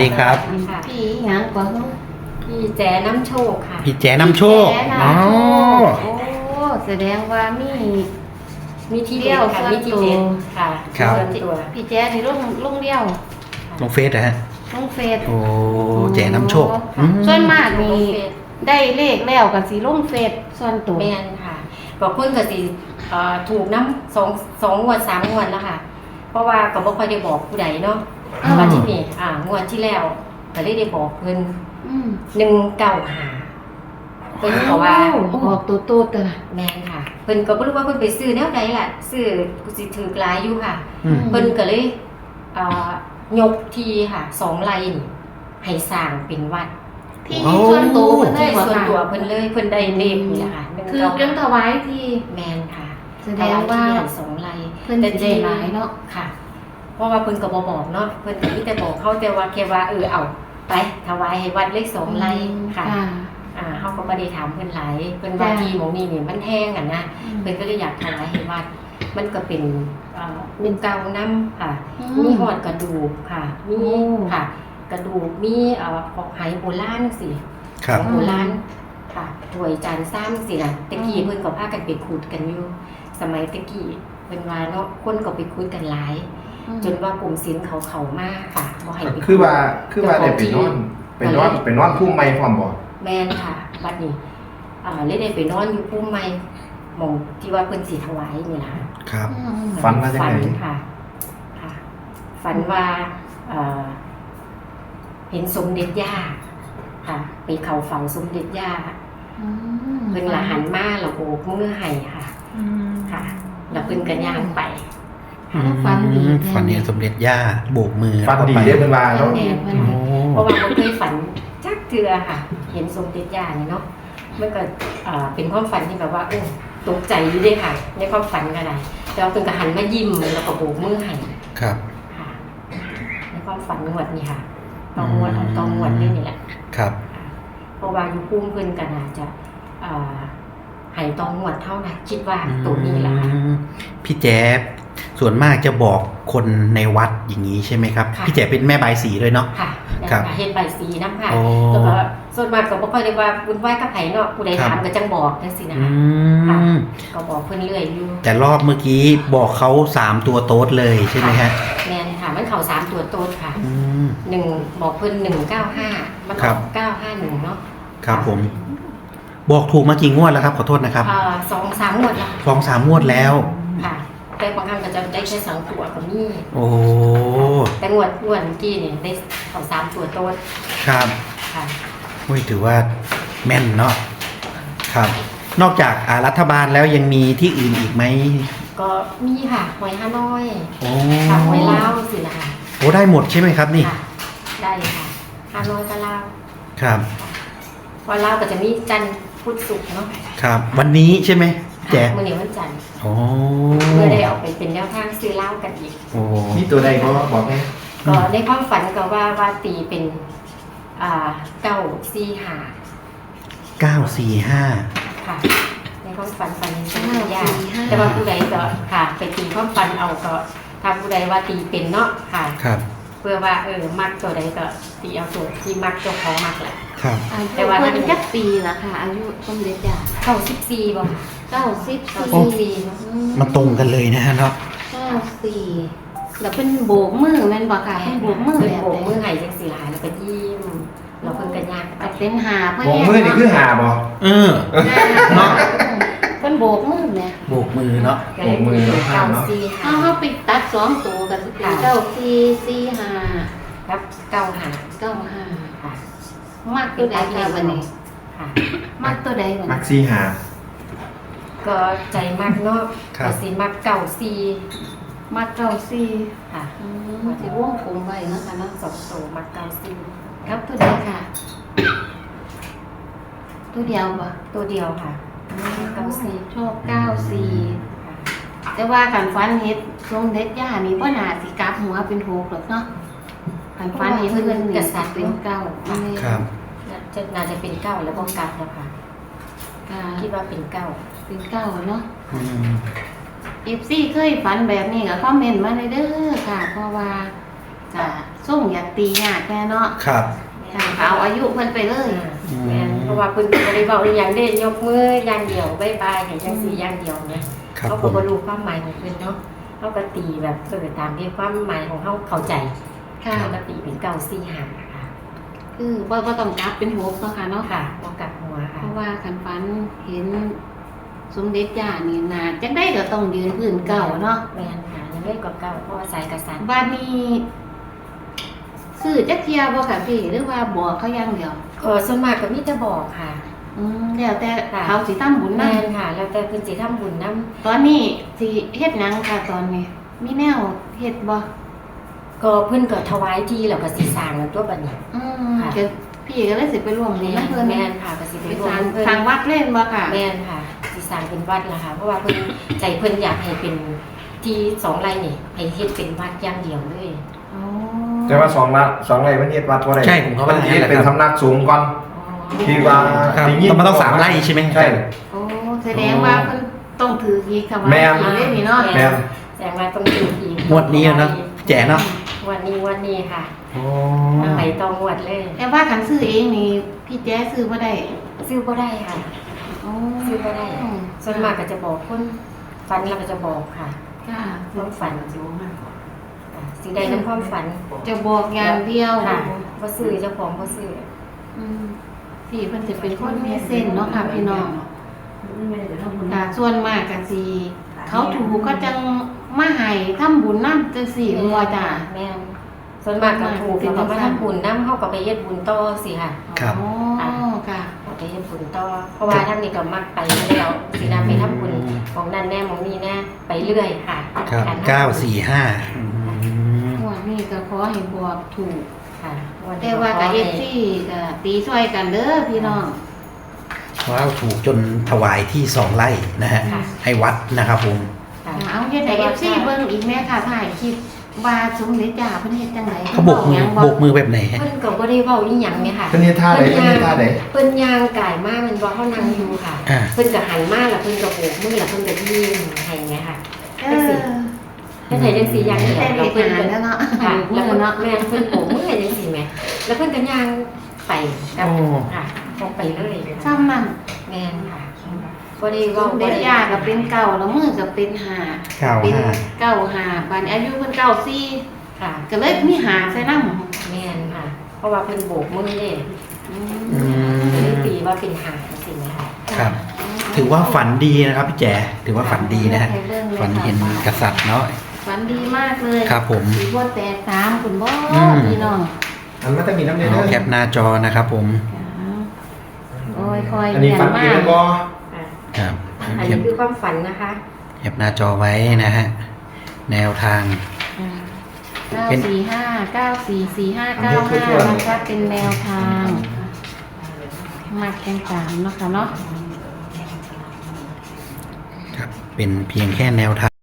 ดีครับพี่หยังกว่าเฮาพี่แจน้ำโชคค่ะพี่แจน้ำโชคแจ๊น้ำโชคโอ้แสดงว่ามีที่เดียวค่ะมีที่เด็ดค่ะครับส่วนตัวพี่แจ๊นี่ลงเดียวลงเฟซนะฮะลงเฟซโอ้แจน้ำโชคอืมส่วนมากนี่ได้เลขแล้วก็สิลงเฟซส่วนตัวแมนค่ะบอกเพิ่นก็สิถูกน้ำสองงวด3 งวดแล้วค่ะ เพราะว่าก็บ่ค่อยได้บอกผู้ใดเนาะมาที่นี่งวดที่แล้วก็ได้บอกเพิ่นอืม 195เพิ่นก็ว่าออกตัวโตตัวน่ะแมนค่ะเพิ่นก็บ่รู้ว่าเพิ่นไปซื้อแนวใดล่ะซื้อกูสิถือกหลายอยู่ค่ะอืมเพิ่นก็เลยยกทีค่ะ2 ไร่นี่ให้สร้างเป็นวัดที่ส่วนตัวเพิ่นได้ที่บ่ส่วนค่ะตัวเพิ่นเลยเพิ่นได้เลขนี่แหละค่ะคือจนถวายที่แมนค่ะแสดงว่าถยที่2 ไร่เพิ่นสิได้หลายเนาะค่ะ เพราะว่าเพิ่นก็บ่บอกเนาะเพิ่นก็มีแต่บอกเขาแต่ว่าแค่ว่าเอาไปถวายให้วัดเลข2 ไร่ค่ะเฮาก็บ่ได้ถามเพิ่นหลายเพิ่นว่าที่หม้องนี้นี่มันแห้งนะเพิ่นก็เลยอยากถวายให้วัด มันก็เป็นเก่านํค่ะ มีหอดกระดูกค่ะ มีค่ะ กระดูกมีของไหโบราณสิครับโบราณค่ะถ้วยจานซ้ำสินะตะกี้เพิ่นก็พากันไปขุดกันอยู่ สมัยตะกี้เพิ่นว่าเนาะคนก็ไปขุดกันหลาย จนว่ากลุ่มศิลป์เขามาค่ะบ่ให้ไปขุดคือว่าได้ไปนอนพุ่มไม้พร้อมบ่แม่นค่ะบัดนี้เลยได้ไปนอนอยู่ภูมิใหม่หม่องที่ว่าเพิ่นสิถวายนี่ล่ะครับฝันว่าจังฝัไงค่ะค่ะ ฝันว่าเห็นสมเด็จย่าค่ะ ไปเข้าฝันสมเด็จย่าเพิ่นละหันมาแล้วโบกมือให้ค่ะค่ะ แล้วเพิ่นก็ย่างไปฝันดีฝันเห็นสมเด็จย่าโบกมือฝันดีแล้วก็ไปเด้อเพิ่นว่าเนาะแน่นโอ้เพราะว่าบ่เคยฝันจักเทื่อค่ะ เห็นสมเด็จย่านี่เนาะมันก็เป็นความฝันที่แบบว่าตกใจอยู่เด้ค่ะ ในความฝันก็ได้แล้วเพิ่นก็หันมายิ้มแล้วก็โบกมือให้ครับค่ะในความฝันงวดนี่ค่ะตองวดเอาตองวดด้วยนี่แหละครับค่ะเพราะว่าอยู่พุ่มเพิ่นก็น่าจะใหายตองวดเท่านั้นคิดว่าตัวนี้แหละค่ะพี่แจ๊บส่วนมากจะบอกคนในวัดอย่างนี้ใช่ไหมครับค่ะพี่แจ๊บเป็นแม่บายสีด้วยเนาะค่ะครับเฮ็ดใบสีน้ำค่ะโอ้แล้วก็ส่วนมากก็บ่ค่อยได้ว่าบุญไหว้กับไผเนาะผู้ใดครับถามก็จังบอกจังซี่นะอืคะมก็บอกเพิ่นเรื่อยอยู่แต่รอบเมื่อกี้บอกเขา3 ตัวโต๊ดเลยใช่ไหมฮะแม่นค่ะมันเข้า3 ตัวโตดค่ะอืมบอกเพิ่น195มันอครัอบ ก951เนาะครับผม บอกถูกมากี่งวดแล้วครับขอโทษนะครับ 2-3 งวดแล้ว 2-3 งวดแล้วค่ะแต่บางครั้งก็จะได้แค่2 ตัวก็มีโอ้แต่งวดเมื่อกี้เนี่ยได้เข้า3 ตัวโตดครับค่ะโอ้ยถือว่าแม่นเนาะครับ นอกจากรัฐบาลแล้วยังมีที่อื่นอีกไหมก็มีค่ะหวยฮานอยโอ้ค่ะหวยลาวสินะคะโอ้ได้หมดใช่ไหมครับนี่ค่ะได้ค่ะฮานอยกับลาวครับวันลาวก็จะมีจันทร์พุธศุกร์เนาะครับ วันนี้ใช่ไหมแจ๊ะมื้อนี้วันจันทร์โอ้เพื่อได้เอาไปเป็นแนวทางซื้อเหล้ากันอีกโอ้มีตัวใดก็บอกให้ก็ในความฝันก็ว่าตีเป็น945 945 ค่ะ ในความฝันเห็นเป็นยากแต่ว่าผู้ใดก็ค่ะไปตีความฝันเอาก็ถ้าผู้ใดว่าตีเป็นเนาะค่ะครับเพื่อว่ามักตัวใดก็ตีเอาตัวที่มักเจ้าของมักแหละครับอายุเพิ่นจักปีละค่ะ อายุสมเด็จย่าเข้า14บ่ค่ะ 94 เนาะมันตรงกันเลยนะฮะเนาะ 94แล้วเพิ่นโบกมือแม่นบ่ค่ะเพิ่นโบกมือเพิ่นแบบโบกมือใดให้จังซี่ล่ะแล้วก็ยิ้มแล้วเพิ่นก็ย่างไปก็เป็นหาเพิ่นโบกมือนี่คือหาบ่เออ เนาะเพิ่นโบกมือแม่โบกมือเนาะก็เลยเป็น945 เฮาไปตัด2ตัวก็สิเป็น9445 ครับ95 95 ค่ะมักตัวใดค่ะวันนี้ค่ะมักตัวใดวันมักนี้ซีหาก็ใจมักเนาะครับก็สิมักเก่าซีมัก94 ค่ะสิวงกลมไว้เนาะค่ะเนาะ 2 ตัวมักเก่าซีครับตัวใดค่ะ ตัวเดียวบ่ตัวเดียวค่ะเก่าซีชอบ94 ค่ะแต่ว่าคันฟันเฮ็ดทรงเด็ดย่านี่บ่น่าสิกลับหัวเป็น6หรอกเนาะคันฟันเฮ็ดเพิ่นนี่สิเป็น9 ครับน่าจะเป็นเก้าแล้วก็กลับแล้วค่ะค่ะคิดว่าเป็นเก้าเป็น9เนาะอืม FC เคยฝันแบบนี้ก็คอมเมนต์มาเลยเด้อค่ะ เพราะว่าจะส่งอยากตีญาติแน่เนาะครับค่ะก็เอาอายุเพิ่นไปเลยแม่นเพราะว่าเพิ่นก็บ่ได้เว้าอีหยังเด้ยกมืออย่างเดียวบ๊ายบายให้จังซี่อย่างเดียวเนี่ยครับเขาผก็มบ่รู้ความหมายของเพิ่นเนาะเขาก็ตีแบบตามที่ความหมายของเขาเข้าใจค่ะเขาก็ตีเป็น945ค่ะคือบ่ต้องกลับเป็นหกเนาะค่ะเนาะค่ะบ่กลับหัวค่ะเพราะว่าคันฝันเห็นสมเด็จย่านี่นาจังได้ก็ต้องยืนพื้นเก่าเนาะแม่นค่ะยังไม่กว่าเก่าเพราะว่าสายกษัตริย์บ้านนี้ซื้อจักเทียบ่ค่ะพี่หรือว่าบอกเขาอย่างเดียวส่วนมากก็มีแต่บอกค่ะแล้วแต่ค่ะเขาสิทำบุญแม่นำนค่ะ แล้วแต่เพิ่นสิทำบุญนํตอนนี้สิเฮ็ดหยังค่ะตอนนี้ มีแนวเฮ็ดบ่ก็เพิ่นก็ถวายที่แล้วก็สิสร้างกันตัวบัดนี้ ค่ะเดี๋ยวพี่ก็เลยสิไปร่วมบุญแม่นำเพิ่นแม่นค่ะก็สิไปไปสร่วร้าม งเพิ่นสร้างวัดเล่นบ่ค่ะแม่นค่ะสิสร้างเป็นวัดล่ะค่ะ เพราะว่าเพิ่นใจเพิ่นอยากให้เป็นที่2ไร่นี่ให้เฮ็ดเป็นวัดอย่างเดียวเลยอ๋อแต่ว่า2 ไร่มันเฮ็ดวัดบ่ได้ใช่ผมก็ว่าอย่างนั้นแหละเป็นครับสำนักสูงก่อน ที่ว่าครับได้ยินต้องมาต้อง3 ไร่ใช่ไหมใช่โอ้แสดงว่าเพิ่นต้องถืออีกค่ะว่าแม่นถือได้นี่เนาะแม่นแสดงว่าต้องอยู่อีกงวดนี้เนาะแจ๋เนาะวันนี้ค่ะโอ้ไปต่องวดเลยแต่ว่าคันซื้อเองนี่พี่แจ๊ซื้อบ่ได้ซื้อบ่ได้ค่ะอ๋อซื้อบ่ได้ ส่วนมากก็จะบอกคนฝันเราก็จะบอกค่ะค่ะความฝันสิ่งใดในความฝันจะบอกอย่างเดียวค่ะบ่ซื้อเจ้าของบ่ซื้ออืมพี่เพิ่นจะเป็นคนมีเส้นเนาะค่ะพี่น้องค่ะส่วนมากก็สิเขาถูกก็จังมาให้ทำบุญนำจังซี่บ่จ้ะแม่นส่วนมากก็ถูกแล้วก็มาทำบุญนำเฮาก็ไปเฮ็ดบุญต่อสิค่ะครับอ๋อค่ะเอาไปเฮ็ดบุญต่อเพราะว่าทางนี้ก็มักไปแล้วสินะไปทำบุญของนั่นแน่ของนี่แน่ไปเรื่อยค่ะครับการทำ 945 หัวนี่ก็ขอให้บอกถูกค่ะนนี้แต่ว่ากับ FC ก็ตีช่วยกันเด้อพี่น้องว้าวถูกจนถวายที่2 ไร่นะฮะค่ะให้วัดนะครับผมค่ะเอาเฮ็ดให้ FC เบิ่งอีกแม่ค่ะถ่ายคลิปว่าสมเด็จย่าเพิ่นเฮ็ดจังไดเขาโบกมือโบกมือแบบไหนฮะเพิ่นก็บ่ได้เว้าอีหยังแม่ค่ะเพิ่นเฮ็ดท่าใดเพิ่นเฮ็ดท่าใดเพิ่นย่างกายมาแมันบ่เฮานั่งอยู่ค่ะอ่าเพิ่นก็หันมาแล้วเพิ่นก็โบกมือแล้วเพิ่นก็ยิ้มให้ไงค่ะเอจังซี่อเพิ่นให้จังซี่อย่างเดียวแต่แล้วเด็กเพิ่นหาก็แล้วเนาะค่ะแล้แล้ว วเนาะแม่เพิ่นโบกมือให้จังซี่แหมแล้วเพิ่นก็ย่างไปกับโอ้ค่ะออกไปเลยซ้ำนั่นแม่นค่ะบ่ได้สเว้ามเด็จย่าก็เป็นเก่าแล้วมือก็เป็นหา 95 เป็นเก่าหาบัดนี้อายุเพิ่นเก่าซี่ค่ะก็เลยมีหาใส่นำแม่นค่ะ เพราะว่าเพิ่นโบกมือเด้อืก็เลยมตีว่าเป็นหางจังซี่แหมค่ะครับ ถือว่าฝันดีนะครับพี่แจ๋ถือว่าฝันดีนะฮะ ฝันเห็นกษัตริย์เนาะฝันดีมากเลยครับผมสิบ่แตกสามคุณบ่อืมพี่น้องอันมันจะมีน้ำเด้เอาอแคปหน้าจอนะครับผมโอ้ยคอยอันนี้ฝันดีเรียแล้นวมากบ่ค่ะครับอันแคนี้ปคือความฝันนะคะแคปหน้าจอไว้นะฮะ แนวทาง 945944595นะคะเป็นแนวทางมาแข่งขันเนาะค่ะเนาะครับ เป็นเพียงแค่แนวทาง